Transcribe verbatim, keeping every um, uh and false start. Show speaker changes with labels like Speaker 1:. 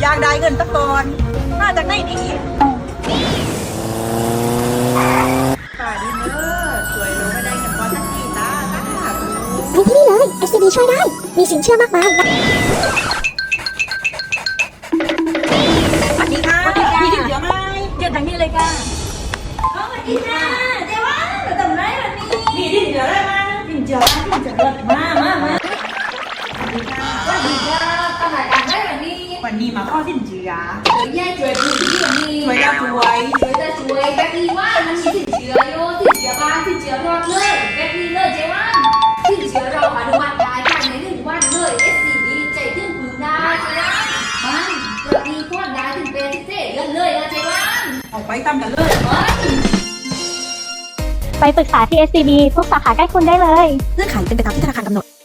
Speaker 1: อยากได้เงินตะกอนมาจากไหนดีป่าดีเนอร์สวยลงไม่ได้เงินก้อนสักทีจ้าจ้า
Speaker 2: ไปที่นี่เลย เอส ซี บี ช่วยได้ มีสินเชื่อมากมาย
Speaker 1: สวัสดีค่ะมีถึงเยอะไหม
Speaker 3: เดี๋ยวทางนี้เลยค่ะ
Speaker 1: สวัสดีค่ะเดี๋ยวว่าเราทำไรวันนี้มีถึงเยอะเลยมั้ง
Speaker 3: ถึงเจอถึงจะเลิศมากมากมาก
Speaker 1: สวัสดีค่ะ
Speaker 3: สวัสดีค่ะทำรายการได้แบบนี้
Speaker 1: วันนี้มาข้อสินเชื่อ
Speaker 3: เดี๋ยวแย่ช่วยดูที่วันนี้
Speaker 1: ช่วยได้ช่วย
Speaker 3: ช่วยจะช่วยแบบนี้ว่ามันมีสินเชื่อโยสินเชื่อบ้านสินเชื่อรอดเลยแบบนี้เลยเจ๊ว่าสินเชื่อเราอนุมัติได้ภายในหนึ่งวันเลย เอส ซี บี ใจถึงพึงได้เจ๊ว่ามันเกิดมีพอดได้ถึงเป็นสิบเจ็ดเดือนเลยนะเจ๊ว่า
Speaker 1: ออกไปตามกันเลย
Speaker 2: ไปปรึกษาที่ เอส ซี บี ทุกสาขาใกล้คุณได้เลย
Speaker 4: เงื่อนไขเป็นไปตามที่ธนาคารกำหนด